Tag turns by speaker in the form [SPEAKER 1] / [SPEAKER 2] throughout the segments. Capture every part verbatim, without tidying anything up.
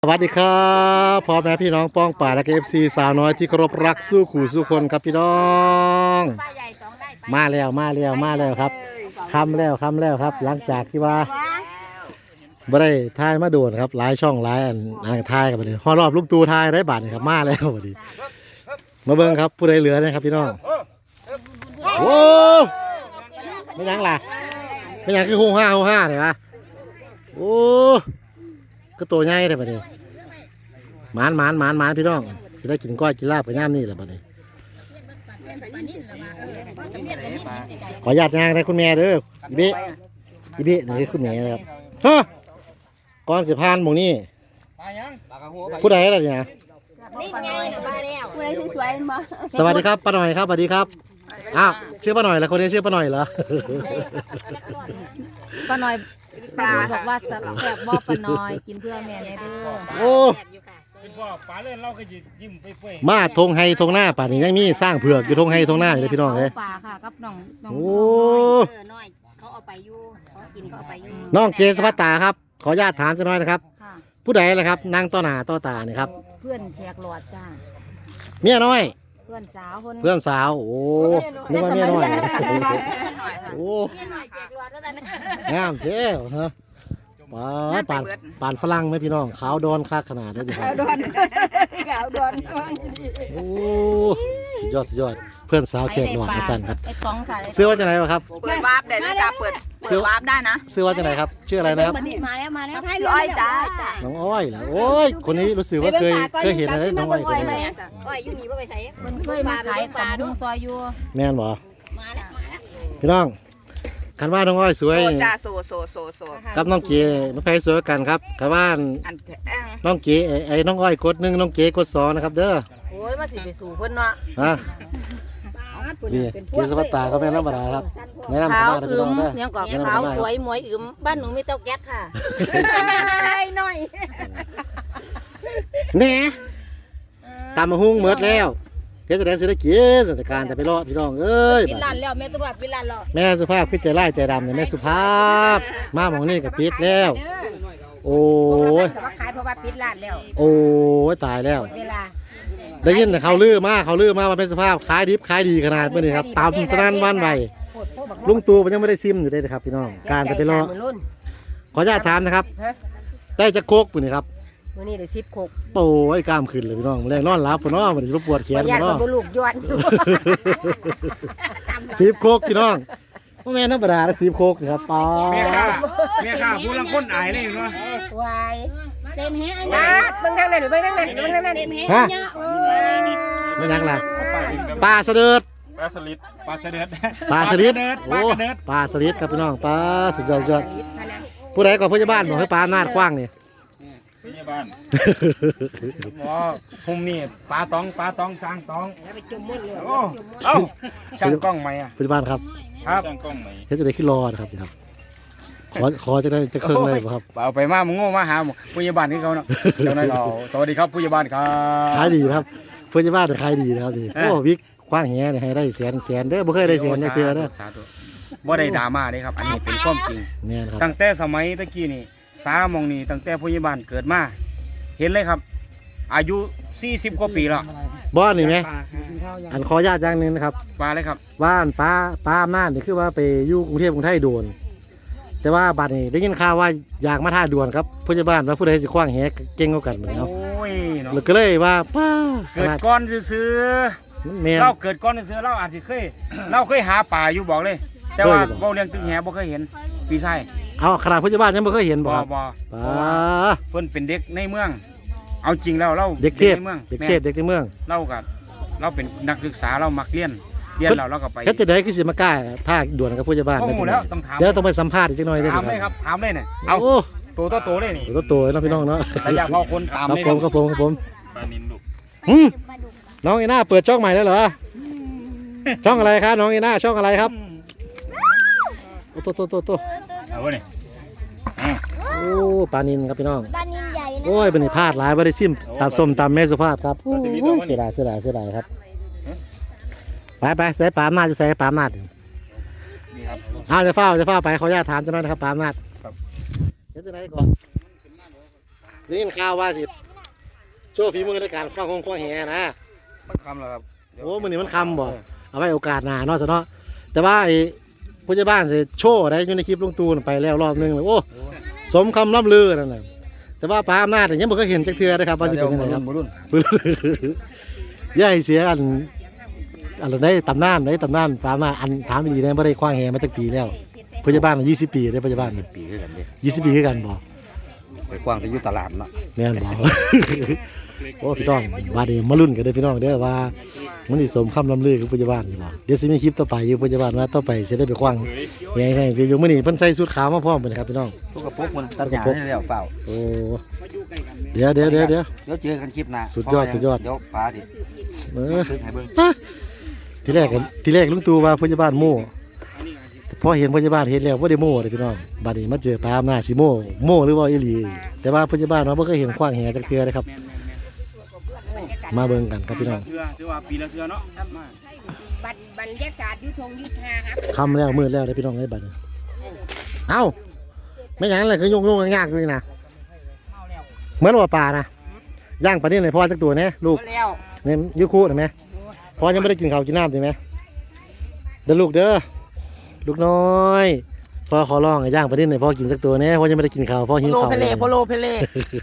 [SPEAKER 1] สวัสดีครับพ่อแม่พี่น้องป้องป่าและเอฟซีสาวน้อยที่เคารพรักสู้ขู่สู้คนครับพี่น้องมาแล้วมาแล้วมาแล้วครับคำแล้วคำแล้วครับ หลังจากที่ว่าบ่ได้ทายมาโดนครับหลายช่องหลายอันอ่างทายกับบัดนี้ฮอดรอบลูกตูทายได้บาทนี่ครับมาแล้วบัดนี้มาเบิ่งครับผู้ใดเหลือนะครับพี่น้องโอ้ไม่ยังล่ะไม่ยังคือหูห้าหูห้าเลยวะโอ้ก็ตัวใหญ่เลยบัดนี้หมานหมานหมานหมานพี่น้องจะได้กินก้อยกินลาบกับย่ามนี่แหละบัดนี้ขออนุญาตงานนะคุณแม่เด้ออีเบะอีเบะนี่คุณแม่นะครับฮะก่อนสิพานหมู่นี่ผู้ใดล่ะเนี่ย
[SPEAKER 2] นี่ไงมาแล้วผู้ใดสวยๆมา
[SPEAKER 1] สวัสดีครับป้าหน่อยครับสวัสดีครับอ้าวชื่อป้าหน่อยแล้วคนนี้ชื่อป้าหน่อยเหรอ
[SPEAKER 2] ป้าน้อยป้าบอกว่าแซ่บบ่ป้าน้อยกินเพื่อแม่เลยเด้อ
[SPEAKER 1] โอ้
[SPEAKER 3] เป็นพ่อป๋าเล่นเราก็ยิ้มไปเปื่อย
[SPEAKER 1] มาทงไฮทงหน้าป่านนี้ยังมีสร้างเผือกอยู่ทงไฮทงหน้าอยู่เลยพี่น้องเลย
[SPEAKER 2] ป้าค่ะกับน้องน้อง
[SPEAKER 1] โอ้
[SPEAKER 2] เออน้อยเขาเอาไปอยู่เขากินเขาเอาไปอยู่
[SPEAKER 1] น้องเกศพัตตาครับขออนุญาตถามจะน้อยนะครับ
[SPEAKER 2] ค่ะ
[SPEAKER 1] ผู้ใดล่ะครับนั่งต่อหน้าต่อตานี่ครับ
[SPEAKER 2] เพื่อนแขกหลอดจ้า
[SPEAKER 1] เมียน้อย
[SPEAKER 2] เพื่อนสาวคน
[SPEAKER 1] เพื่อนสาวโอ้นึกว่าเมียน้อยโอ้งามเท่ฮะป่านป่านป่านฝรั่งไหมพี่น้องขาวดอนค่าขนาดได้ดิครับ
[SPEAKER 2] ดอนขาวดอน
[SPEAKER 1] โอ้สุดยอดสุดยอดเพื่อนสาวเขตหนวดมาสั่นครับ
[SPEAKER 2] ไอ้ของค่ะ
[SPEAKER 1] ซื้อว่าจะไหนวะครับ
[SPEAKER 4] เปิดวาร์ปได้ด้วยจ้าเปิดเปิดวาร์ปได้นะ
[SPEAKER 1] ซื้อว่าจะไหนครับชื่ออะไรนะครับ
[SPEAKER 2] มาแล้วมาแล้ว
[SPEAKER 4] ชื่ออ้อยจ้า
[SPEAKER 1] น้องอ้อยเหรอโอ้ยคนนี้รู้สึกว่าเคยเคยเห็นอะไรน้องอ้อยคนนี้
[SPEAKER 2] อ้อยอยู่นี่บ่ไปใส่มันเคยมาขายตำลุงซอยอยู่
[SPEAKER 1] แม่นบ่
[SPEAKER 2] มาแล้วมาแล้ว
[SPEAKER 1] พี่น้องคันว่าน้องอ้อยสวย
[SPEAKER 4] โซจ้าโซโซโซโซ
[SPEAKER 1] กับน้องเก๋น้องไพสวยกันครับคันว่า
[SPEAKER 4] อันแอง
[SPEAKER 1] น้องเก๋ไอ้ไอ้น้องอ้อยกดหนึ่งน้องเก๋กดสองนะครับเด้อ
[SPEAKER 4] โอ้ยมาสิไปสู่เพิ่นเนาะ
[SPEAKER 1] ฮะนี่เก๋สวัสตาเขาแม่นธรรมดาครับแนะนำ
[SPEAKER 4] ขา
[SPEAKER 1] เข้าว มาเลยพี่
[SPEAKER 4] อึ
[SPEAKER 1] น้อ
[SPEAKER 4] ม
[SPEAKER 1] งเด้อ
[SPEAKER 4] ยังก่อน
[SPEAKER 1] แนะนำ
[SPEAKER 4] ขาว
[SPEAKER 1] เข้ามา
[SPEAKER 4] สวยหมวยอึมบ้านหนูมีเตาแก๊สค่ะ
[SPEAKER 2] น้อย
[SPEAKER 1] แหน่ตามมาหุ้งเมิดแล้วเฮ็ดจะได้สิได้กินสถานการณ์แต่ไปรอพี่น้องเอ้ย
[SPEAKER 4] ปิดร้านแล้วแม่ตัวปิดร้านแล้ว
[SPEAKER 1] แม่สุภาพคือใจไล่ใจดำเนี่ยแม่สุภาพมาหมองนี่กับปิดแล้ว โอ้ย
[SPEAKER 2] แต่ว่าขายเพราะว่าปิดร้านแล้ว
[SPEAKER 1] โอ้ยตายแล้ว
[SPEAKER 2] เวลา
[SPEAKER 1] ได้ยินแต่เขาลือมาเขาลือมาว่าเป็นสภาพขายดิบขายดีขนาดเมื่อนี้ครับตามสนั่นหวันไหวลุงตู่มันยังไม่ได้ซิมอยู่เลยนะครับพี่น้องการจะไปรอขออนุญาตถามนะครับได้จะโคกปุ่นนี่ครับ
[SPEAKER 2] มื้อนี้ได้สิบโคก
[SPEAKER 1] โอ้ยกล้ามขึ้นเลยพี่น้องแรงนอนหลับปุ่นเนาะมันจะปวดแขน
[SPEAKER 2] ญา
[SPEAKER 1] ปุ่น
[SPEAKER 2] ติ
[SPEAKER 1] เนาะ
[SPEAKER 2] บ่ลูกย้อนอยู่
[SPEAKER 1] สิบโคกพี่น้องพ่อแม่ธรรมดาแล้วสิบโคกนะครับป้า
[SPEAKER 3] เมียข้าเมียข้าผู้ลังคนอายเลยเนาะ
[SPEAKER 2] วายเต็มแฮะนะเบิ่งทางนั้นเบิ่งทางนั้นเบิ่งทางนั้นเต็มแฮะ
[SPEAKER 1] ฮะไม่ยังล่ะปลาเสด็จ
[SPEAKER 3] ปลาสลิดปลาเสด็จ
[SPEAKER 1] ปลาสลิด
[SPEAKER 3] ป
[SPEAKER 1] โอ้
[SPEAKER 3] ลากระเดิด
[SPEAKER 1] ปลาสลิดครับพี่น้องปลาสุดยอดสุดยอดผู้ใดก่อนผู้ใหญ่บ้านบอกให้ปลาหน้าคว้างนี่
[SPEAKER 3] พยาบาลหมอหุ่มนี่ปลาตองปลาตองสร้างตองโอ้เอ้าช่างกล้องไหมอ่ะ
[SPEAKER 1] ผู้ใหญ่บ้านครับ
[SPEAKER 3] ครับช่างกล้องไหม
[SPEAKER 1] เฮ็ดจะได้ขึ้นรอนะครับพี่ครับขอขอจะได้จะเครื่องเลยบ่ครับ
[SPEAKER 3] เอาไปมามึงโง่มาหาผู้ใหญ่บ้านนี่เขาเนาะเจ้านายเราสวัสดีครับผู้ใหญ่บ้านครับ
[SPEAKER 1] ขายดีนะครับผู้ใหญ่บ้านขายดีนะครับนี่
[SPEAKER 3] เอ้ย
[SPEAKER 1] โอ้วิกคว้างแหเนี่ยให้ได้แสนแสนเด้อบ่เคยได้แสนในเทื่อเด้อ
[SPEAKER 3] สาธุบ่ได้ดราม่าเด้ครับ อันนี้เป็นความจริง
[SPEAKER 1] แม่นครับ
[SPEAKER 3] ตั้งแต่สมัยตะกี้นี่สามองนี่ตั้งแต่ผู้ใหญ่บ้านเกิดมาเห็นเลยครับ อายุสี่สิบกว่าปีแล้ว
[SPEAKER 1] บ้านนี่ไหมอันขออนุญาตอย่างหนึงนะครับ
[SPEAKER 3] มาเลยครับ
[SPEAKER 1] บ้านป้าป้าอำนาจนี่คือว่าไปอยู่กรุงเทพกรุงไทยโดน แต่ว่าบัดนี้ได้ยินข่าวว่าอยากมาท่าด่วนครับผู้ใหญ่บ้านว่าผู้ใดสิคว้างแหเก่งกว่ากันเหมือน
[SPEAKER 3] โอ้
[SPEAKER 1] เนาะ
[SPEAKER 3] ยเนาะ
[SPEAKER 1] แล้วก็เลยว่าป้าข
[SPEAKER 3] เกิด
[SPEAKER 1] นาด
[SPEAKER 3] ก้อนซื้อ
[SPEAKER 1] แม่
[SPEAKER 3] ๆ
[SPEAKER 1] น
[SPEAKER 3] เราเกิดก้อนซื้อๆเราอาจจะเคย เราเคยหาป่าอยู่บอกเลย แต่ว่า
[SPEAKER 1] เคยบอก
[SPEAKER 3] เบาเลี้ยงตึงแหบ่เคยเห็นพี่ชาย
[SPEAKER 1] เอาขนาดผู้ใหญ่บ้านยังไม่เคยเห็นบ่
[SPEAKER 3] บ่
[SPEAKER 1] ครับ
[SPEAKER 3] บ่
[SPEAKER 1] ป้า
[SPEAKER 3] เพิ่นเป็นเด็กในเมือง เอาจริงแล้วเรา
[SPEAKER 1] เด็กเทพ
[SPEAKER 3] ในเมือง
[SPEAKER 1] เด็ก
[SPEAKER 3] แม่
[SPEAKER 1] เทพเด็กในเมือง
[SPEAKER 3] เราก็เราเป็นนักศึกษาเรามักเรียนเรียนเราเราก็ไป
[SPEAKER 1] เฮ็ดจะได้คือสิมากล้าท่าด่วนกับผู้ใหญ่บ้าน
[SPEAKER 3] โอ้
[SPEAKER 1] ได้
[SPEAKER 3] โห
[SPEAKER 1] จัง
[SPEAKER 3] แล้ว
[SPEAKER 1] ได๋
[SPEAKER 3] ต้องถาม
[SPEAKER 1] เดี๋ยวต้องไปสัมภาษณ์อีกจักหน่อยได้อ
[SPEAKER 3] ถามเลยครับถามเลยเนี่ยเอา
[SPEAKER 1] โอ้
[SPEAKER 3] ตัวต่อตัวเลยนี่
[SPEAKER 1] ตัวโตๆเนาะพี่น้องเนาะ
[SPEAKER 3] แต่อยากพอคนตาม
[SPEAKER 1] ครับ
[SPEAKER 3] เลย
[SPEAKER 1] ผมครับผมครับผม
[SPEAKER 3] ปลานินลูก
[SPEAKER 1] หืมน้องอีน่าเปิดช่องใหม่แล้วเหรอช่องอะไรครับน้องอีน่าช่องอะไรครับโอ้โตโตโตโต
[SPEAKER 3] เอาวะนี่
[SPEAKER 1] โอ้ปลานินครับพี่น้อง
[SPEAKER 2] บ้านนินใหญ่นะ
[SPEAKER 1] โอ้ยเป็นพลาดหลายบ่ได้ซิมตำส้มตำแม่สุภาพครับโอ้ยเสียดายเสียดายเสียดายครับไปไปใส่ปลาอำนาจอยู่ใส่ปลาอำนาจอ้าวจะเฝ้าจะเฝ้าไปขออนุญาตถามเจ้าหน้าที่นะครับปลาอำนาจเดี๋ยวจะไหนก่อนได้ยินข่าวว่าสิโชว์ฝีมือในการคว้างคงคว้างแหนะ
[SPEAKER 3] มันคำแล้วครับ
[SPEAKER 1] โอ้มื้อนี้มันคำบ่เอาไว้โอกาสหน้าเนาะซะเนาะแต่ว่าไอ้ผู้ใหญ่บ้านสิโชว์ได้อยู่ในคลิปลุงตู่น่ะไปแล้วรอบนึงเลยโอ้สมคำล่ำลือนั่นน่ะแต่ว่าป้าอำนาจเนี่ยยังบ่เคยเห็นจักเทื่อนะครับว่าสิเป็นยังไงครับ
[SPEAKER 3] รุ่น
[SPEAKER 1] อย่าให้เสียอันอันได้ตำนานได้ตำนานป้าอำนาจอันถามดีๆได้บ่ได้คว้างแหมาจักปีแล้วผู้ใหญ่บ้านยี่สิบปีได้ผู้ใหญ่บ้าน
[SPEAKER 3] ปีคือกันเด้
[SPEAKER 1] ยี่สิบปีคือกันบ่
[SPEAKER 3] ไปกว้างที่อยู่ตลาดเนาะ
[SPEAKER 1] แม่นบ่ โอ้พี่น้องว่าเดี๋ยวมาลุ้นกันเด้อพี่น้องเด้อว่ามันสิสมคำลำลือของผู้ใหญ่บ้านนี่บ่เดี๋ยวสิมีคลิปต่อไปอยู่ผู้ใหญ่บ้านว่าต่อไปสิได้ไปคว้างแหให้สิอยู่มื้อนี้เพิ่นใส่ชุดขาวมาพร้อมเพิ่นครับพี่น้อง
[SPEAKER 3] ทุกกระปุกมันตัดหญ้าให้แล้วเปล่า
[SPEAKER 1] โอ้เดี๋ยวเดี๋ยวเดี๋ยวเดี๋ยว
[SPEAKER 3] เดี๋ยวเจอกันคลิปหน้า
[SPEAKER 1] สุดยอดสุดยอด
[SPEAKER 3] เดี๋ยวปลาดิ
[SPEAKER 1] เออ
[SPEAKER 3] ซื้อให้เบิ่ง
[SPEAKER 1] ฮะทีแรกกันทีแรกลุงตู่ว่าผู้ใหญ่บ้านโม่พอเห็นผู้ใหญ่บ้านเห็นแล้วบ่ได้โม่เลยพี่น้องบัดนี้มาเจอปลาอำนาจสิโม่โม่หรือว่าอีหลีแต่ว่าผู้ใหญ่บ้านว่าบ่เคยเห็นขว้างแหจักเทื่อเลยครับมาเบิ่งกันครับพี่น้อง
[SPEAKER 3] เทื่อถือว่าปีละเทื่อเนาะมา
[SPEAKER 5] บัดบรรยากาศอยุทงยุทธาครับ
[SPEAKER 1] ค่ำแล้วมืดแล้วเด้อพี่น้องเอ้ยบัดนี้เอ้าไม่หยังเลยคือยงๆยากๆอยู่นี่นะเหมือนว่าปลานะย่างปลานิ่นให้พ่อสักตัวแน่ลูก
[SPEAKER 4] แล้ว
[SPEAKER 1] เนี่ยยุคุเห็นไหมพ่อยังไม่ได้กินข้าวกินน้ำใช่ไหมเด้อลูกเด้อลูกน้อยพ่อขอร้องให้ย่างปลานิ่นให้พ่อกินสักตัวแน่พ่อยังไม่ได้กินข้าวพ่อหิว
[SPEAKER 4] โล
[SPEAKER 1] ข้าว
[SPEAKER 4] เพเลโพโลเพเล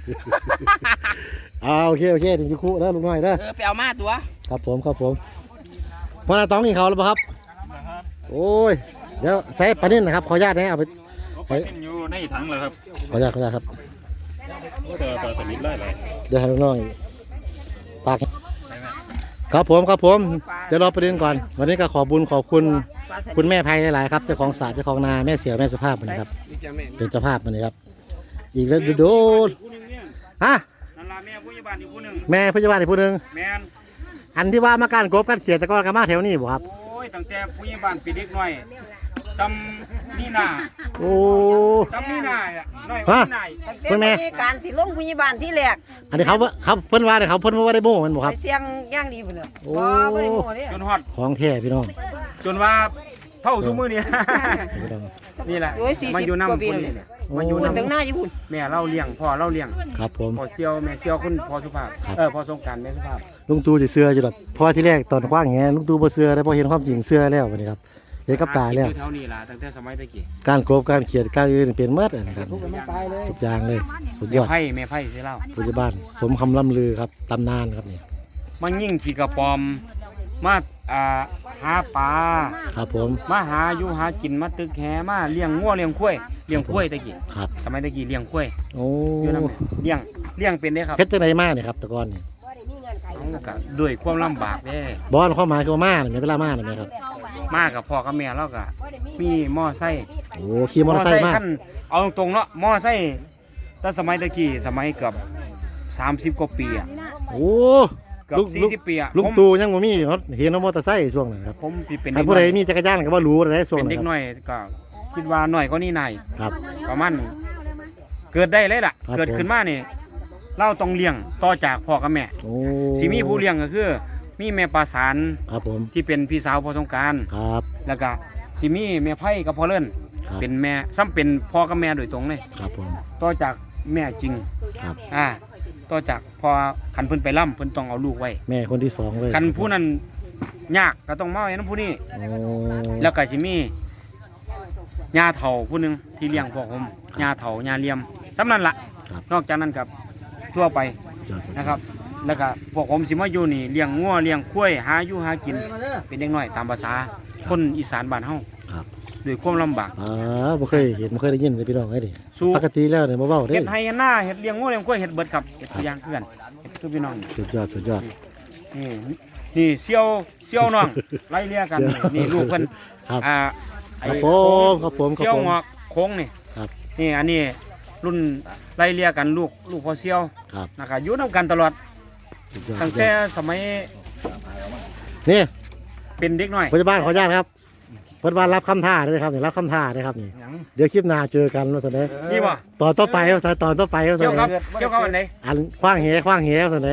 [SPEAKER 1] อ่าโอเคโอเคถึงยุคุเด้อลูกน้อยเด้อ
[SPEAKER 4] เออไปเอามาตัว
[SPEAKER 1] ครับผมครับผมพ่อนาต้องกินข้าวแล้วป่ะครับโอ้ยเดี๋ยวใส่ปลานิ่นนะครับขออนุญาตนะเอาไป
[SPEAKER 6] ไปอยู่ในถังเลยครับ
[SPEAKER 1] ขออนุญาตขออนุญาตครับ
[SPEAKER 6] ก็เจอปลาสลิดไล่เลย
[SPEAKER 1] เดี๋ยวให้ลูกน้อยปากครับผมครับผมเดี๋ยวรอประเด็นก่อน วันนี้ก็ขอบุญขอบคุณคุณแม่ไพหลายๆครับเจ้าของศาสตร์เจ้าของนาแม่เสียวแม่สุภาพมันนะครับเป็นเจ้าภาพมันนะครับ อีกแล้วดูดูฮะ
[SPEAKER 3] นั่นล่ะแม่ผู้ใหญ่บ้านอยู่ผู้หนึง
[SPEAKER 1] แม่พยาบาลอีกผู้หนึ่ง
[SPEAKER 3] แม่น
[SPEAKER 1] อันที่ว่ามาการกบกันเสียตะกอนกันมาแถวนี้บ่ครับ
[SPEAKER 3] โอ้ยตั้งแต่ผู้ใหญ่บ้านปีเด็กน้อยจำนี่นา
[SPEAKER 1] โอ้
[SPEAKER 3] จำนี่นาอ่ะน้อยกว่านี่นาอีก
[SPEAKER 1] คุณแม่
[SPEAKER 5] การสิลงพยาบาลที่แรก
[SPEAKER 1] อันนี้เขาเขาเพิ่นว่าเดี๋ยวเขาเพิ่นว่าได้โม่มันบ่ครับ
[SPEAKER 5] ไปเสียงย่างดีพุ่นน่ะ
[SPEAKER 1] โอ้
[SPEAKER 5] บ่ได้โง่เด้
[SPEAKER 3] จนฮอด
[SPEAKER 1] ของแท้พี่น้อง
[SPEAKER 3] จนว่าเท่าซุมือนี่
[SPEAKER 1] พี่น้อง
[SPEAKER 3] นี่แหละ
[SPEAKER 5] โอ้ยสี่
[SPEAKER 3] มา
[SPEAKER 5] สิบ
[SPEAKER 3] อยู่
[SPEAKER 5] กว่า
[SPEAKER 3] น้ำ
[SPEAKER 5] ปี
[SPEAKER 3] คน
[SPEAKER 5] แล้ว
[SPEAKER 3] นี้
[SPEAKER 5] เนี่ย
[SPEAKER 3] มาอยู่
[SPEAKER 5] พุ่นถึงห
[SPEAKER 3] น้ำ
[SPEAKER 5] น้าอยู่พุ่น
[SPEAKER 3] แม่เราเลี้ยงพ่อเราเลี้ยง
[SPEAKER 1] ครับผม
[SPEAKER 3] พ่อเซียวแม่เซียวคุณพ่อสุภาพ
[SPEAKER 1] ครับ
[SPEAKER 3] เออพ่อสงกรารแม่สุภาพ
[SPEAKER 1] ลุงตู่สิเสื้ออยู่ดอกเพราะว่าที่แรกตอนคว้างแหลุงตู่บ่เสื้อได้พอเห็นความจริงเสื้อแล้วบัดนี้ครับเห็นกับตาแล้ว
[SPEAKER 3] หกินอยู่แถวนี้ล่ะตั้งแต่สมัยตะกี้
[SPEAKER 1] การกบการเขียดการอื่นเป็นเมื่อนะครับ
[SPEAKER 3] ทุกคนตายเลย
[SPEAKER 1] ทุกอย่างเลยสุดย
[SPEAKER 3] แม่
[SPEAKER 1] อด
[SPEAKER 3] ไผ่แม่ไผ่สิเล่า
[SPEAKER 1] ปัจจุบันสมคำล่ำลือครับตำนานครับนี่
[SPEAKER 3] มันยิ่งขี่กระปอมมาอ่าหาปลา
[SPEAKER 1] ครับผม
[SPEAKER 3] มาหาอยู่หากินมาตึกแหมาเลี้ยงงัวเลี้ยงควายเลี้ยงควายตะกี้
[SPEAKER 1] ครับ
[SPEAKER 3] สมัยตะกี้เลี้ยงควาย
[SPEAKER 1] โอ้
[SPEAKER 3] อยู่นำเลี้ยงเลี้ยงเป็นเด้ครับ
[SPEAKER 1] เพชรจังไดมาเนี่ยครับแตะกอนนี่
[SPEAKER 3] เอาก็ด้วยความลำบากเด้
[SPEAKER 1] บอลความหมายคือว่ามาเนี่ยไม่เวลามาเนี่ยไหมครับ
[SPEAKER 3] มากับพ่อกับแม่เราก็มีมอไซค์
[SPEAKER 1] โอ้ขี่มอเตอร์ไซค์มา
[SPEAKER 3] คันเอาตรงๆเนาะมอไซค์แต่สมัยตะกี้สมัยเกือบสามสิบกว่าปีอะ
[SPEAKER 1] โอ้
[SPEAKER 3] เกือ
[SPEAKER 1] ลู
[SPEAKER 3] บ
[SPEAKER 1] ก
[SPEAKER 3] สี่
[SPEAKER 1] ลูก
[SPEAKER 3] สิบปีอะ
[SPEAKER 1] ลุง
[SPEAKER 3] ผม
[SPEAKER 1] ตู่ยังบ่มีรถเห็นมอเตอร์ไซค์ช่วงนั้นครับ
[SPEAKER 3] ผมที่เป็น
[SPEAKER 1] ใคร
[SPEAKER 3] เด็ก
[SPEAKER 1] ผู้
[SPEAKER 3] น้
[SPEAKER 1] ใด
[SPEAKER 3] อย
[SPEAKER 1] มีจักรยานก็บ่รู้อะไรช่วง
[SPEAKER 3] เป็น
[SPEAKER 1] นั้น
[SPEAKER 3] เด็ก
[SPEAKER 1] ครับ
[SPEAKER 3] น้อยก็คิดว่าน้อยก็นี่นาย
[SPEAKER 1] ครับ
[SPEAKER 3] ประมาณเกิดได้เลยล่ะ
[SPEAKER 1] ครับ
[SPEAKER 3] เกิดขึ้นมานี่เราต้องเลี้ยงต่อจากพ่อกับแม่
[SPEAKER 1] โอ้
[SPEAKER 3] สิมีผู้เลี้ยงก็คือ มีแม่ปลาสาร
[SPEAKER 1] ครับผม
[SPEAKER 3] ที่เป็นพี่สาวพ่อสงกราร
[SPEAKER 1] ครับ
[SPEAKER 3] แล้วก็สิมีแม่ไผ่กับพ่อเลิ่น
[SPEAKER 1] ครับ
[SPEAKER 3] เป็นแม่ซ้ำเป็นพ่อกับแม่โดยตรงเลย
[SPEAKER 1] ครับผม
[SPEAKER 3] ต่อจากแม่จริง
[SPEAKER 1] ครับ
[SPEAKER 3] อ่าต่อจากพอคันเพิ่นไปล่ำเพิ่นต้องเอาลูกไว้
[SPEAKER 1] แม่คนที่สองเลย
[SPEAKER 3] คันผู้นั้นยากก็ต้องมาไว้นํผู้นี้
[SPEAKER 1] โอ้
[SPEAKER 3] แล้วก็สิมีญาเฒ่าผู้หนึงที่เลี้ยงพวกผมญาเฒ่าญาเลียมสำนั้นล่ะ
[SPEAKER 1] ครับ
[SPEAKER 3] นอกจากนั้นกับทั่วไป
[SPEAKER 1] ยอดสุด
[SPEAKER 3] นะครับ แล้วก็พวกผมสิมาอยู่นี่เลี้ยงงัวเลี้ยงควายหาอยู่หากิน เป็นเด็กน้อยตามภาษาคนอีสานบ้านเฮา
[SPEAKER 1] ครับ
[SPEAKER 3] ด้วยความลำบาก
[SPEAKER 1] อ่าบ่เคยเห็นบ่เคยได้ยินเลยพี่น้องไอ้ดิ
[SPEAKER 3] สู้
[SPEAKER 1] ปกติแล้วเนี่ยบ่เว้าเด้
[SPEAKER 3] เฮ็ดไห้เฮ็ดหน้าเฮ็ดเลี้ยงงัวเลี้ยงควายเฮ็ดเบิดครับเฮ็ดทุกอย่างคือกันเฮ็ดทุกพี่น้อง
[SPEAKER 1] สุดยอดสุดยอด
[SPEAKER 3] นี่นี่เซี่ยวเซี่ยวน้อง ไล่เลี่ยกันนี่นี่ลูกเพิ่น
[SPEAKER 1] ครับ
[SPEAKER 3] อ่า
[SPEAKER 1] ค
[SPEAKER 3] ไอ้
[SPEAKER 1] รับผมครับผมครับ
[SPEAKER 3] เซี่ยว
[SPEAKER 1] ผม
[SPEAKER 3] งอกโค้งนี่
[SPEAKER 1] ครับ
[SPEAKER 3] นี่อันนี้รุ่นไล่เลี่ยกันลูกลูกพ่อเซี่ยว
[SPEAKER 1] ครับ
[SPEAKER 3] นะครับอยู่นํกันตลอด
[SPEAKER 1] สุดยอด
[SPEAKER 3] ตั้งแต่สมัย
[SPEAKER 1] นี่
[SPEAKER 3] เป็นเด็กน้อย
[SPEAKER 1] พยาบาลขออนุญาตครับเพิ่นว่ารับคำท้าด้วยครับนี่รับคำท้าด้วยครับนี่
[SPEAKER 3] หยัง
[SPEAKER 1] เดี๋ยวคลิปหน้าเจอกันว่าซั่นเด้
[SPEAKER 3] นี่บ่
[SPEAKER 1] ตอนต่อไปครับตอนต่อไปว่าซั่
[SPEAKER 3] เกี่ยวน กับ
[SPEAKER 1] เด้
[SPEAKER 3] เกี่ยวกับอันไหน
[SPEAKER 1] อันขว้างแหขว้างแหว่าซั่นเด้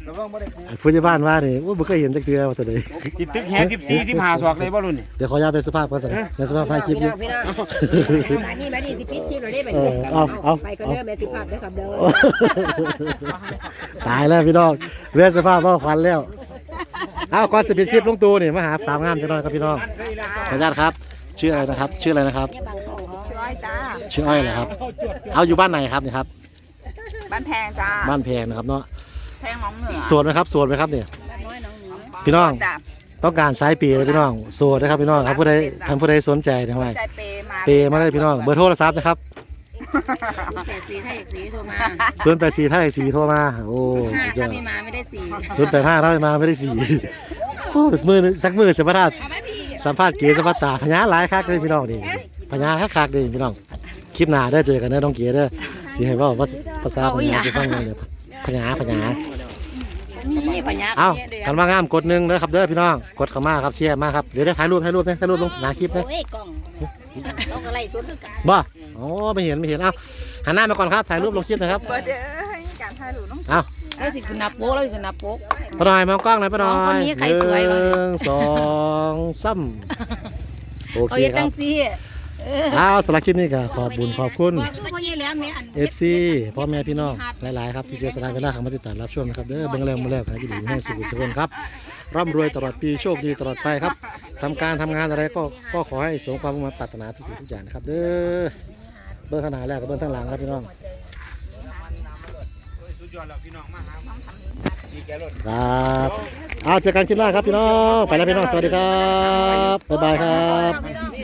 [SPEAKER 3] ระวังบ่ได้
[SPEAKER 1] ผู้ใหญ่บ้านว่านี่ว่าบ่เคยเห็นจักเทื่อว่าแต่ใด
[SPEAKER 3] สิตึกแฮสิบสี่ สิบห้าศอกเลยบ่รุ่นนี่
[SPEAKER 1] เดี๋ยวขออนุญาตเป็นสุภาพก่อนสิในสุภาพถ่ายคลิปอยู่
[SPEAKER 5] พี่น้องมานี่มานี่สิปิดคลิปเราได้ไป
[SPEAKER 1] เออเอาเอา
[SPEAKER 5] ไปก็เด้อแม่สิภาพเด้อครับเด้อ
[SPEAKER 1] ตายแล้วพี่น้องเรียนสภาพว่าควันแล้วเอาก่อนสิปิดคลิปลงตูนี่มาหาสาวงามจังหน่อยครับพี่น้องขออนุญาตครับชื่ออะไรนะครับ ชื่ออะไรนะครับ
[SPEAKER 2] ชื่ออ้อยจ้า
[SPEAKER 1] ชื่ออ้อยเหรอครับ เอาอยู่บ้านไหนครับนี่ครับ
[SPEAKER 2] บ้านแพงจ้า
[SPEAKER 1] บ้านแพงนะครับเนาะ
[SPEAKER 2] แพงหนองเหนือ
[SPEAKER 1] โสดไหมครับโสดไหมครับเนี่ยพี่น้อง
[SPEAKER 2] จ้า
[SPEAKER 1] ต้องการสายปีเลยพี่น้องโสดนะครับพี่น้องครับผู้ใดท่านผู้ใดสนใจนะครับ
[SPEAKER 2] ใจเปมา
[SPEAKER 1] เปย์มาได้พี่น้องเบอร์โทรศัพท์นะครับ
[SPEAKER 4] เปดสีให้อีกสีโทรมา
[SPEAKER 1] ศูนย์แปดสี่ถ้าไอสี่โทรมาโอ้
[SPEAKER 4] ห้า
[SPEAKER 1] สุดยอ
[SPEAKER 4] ถ้า
[SPEAKER 1] ด
[SPEAKER 4] ไม่มาไม่ได้สี
[SPEAKER 1] ศูนย์แปดห้าถ้าไม่มาไม่ได้สี่โอ้มือหนึ่งสักมือสัมภาษณ์สัมภาษณ์เก๋สัมภาษณ์ตาพญาหลายคักเลยพี่น้องนี่พญาคักคักเลยพี่น้องคลิปหน้าได้เจอกันนะน้องเก๋เด้อสิให้เว่าภาษาพญาจะฟังเลยเดี๋ยวพญาพญา
[SPEAKER 4] นี่ปัญญา
[SPEAKER 1] เอ้ากันว่างามกดหนึ่งเด้อครับเด้อพี่น้องกดเข้ามาครับเชียร์มาครับเดี๋ยวได้ถ่ายรูปถ่ายรูปนะถ่ายรูปลงหน้าคลิปนะ
[SPEAKER 4] โอ้ยกล่องต้องอะไรสวนคือกัน
[SPEAKER 1] บ่อ๋อไม่เห็นไม่เห็นเอ้าหันหน้ามาก่อนครับถ่ายรูปลงคลิปนะครับ
[SPEAKER 2] เบอร์เด้อให้การถ่ายรูปน้อง
[SPEAKER 1] เอ้า
[SPEAKER 4] แล้วสิคุณนับโป๊กแล้วสิคุณนับโป๊ก
[SPEAKER 1] ป้าหน่อยมองกล้องหน่อยป้าหน่อย
[SPEAKER 4] อ๋อคนนี้ใครสวย
[SPEAKER 1] ห
[SPEAKER 4] วะ
[SPEAKER 1] นึ่งสองสามโอ
[SPEAKER 4] เขา
[SPEAKER 1] เค
[SPEAKER 4] เย็ด
[SPEAKER 1] ค
[SPEAKER 4] จั
[SPEAKER 1] รับ
[SPEAKER 4] งซี่เออ
[SPEAKER 1] เอาสำหรับคลิปนี้ก็ขอบบุญขอบคุณ
[SPEAKER 4] คือพ่อเย็ดแล้วแม่อัน
[SPEAKER 1] เอฟซีพ่อแม่พี่น้องหลายๆครับที่เสียสละเวลาเข้ามาติดตามรับชมนะครับเด้อเบิ่งแล้วมาแล้วขายดีให้สุขสุขคนครับร่ำรวยตลอดปีโชคดีตลอดไปครับทำการทำงานอะไรก็ก็ขอให้สมความมุ่งมั่นปรารถนาทุกสิ่งทุกอย่างนะครับเด้อเบื้องข้างหน้าแล้วกับเบื้องข้างหลังครับพี่น้อง
[SPEAKER 3] สุดยอดแล้วพี่น้องมาหาดีแกรถ
[SPEAKER 1] ครับเอาเจอกันคลิปหน้าครับพี่น้องไปแล้วพี่น้องสวัสดีครับบ๊ายบายครับ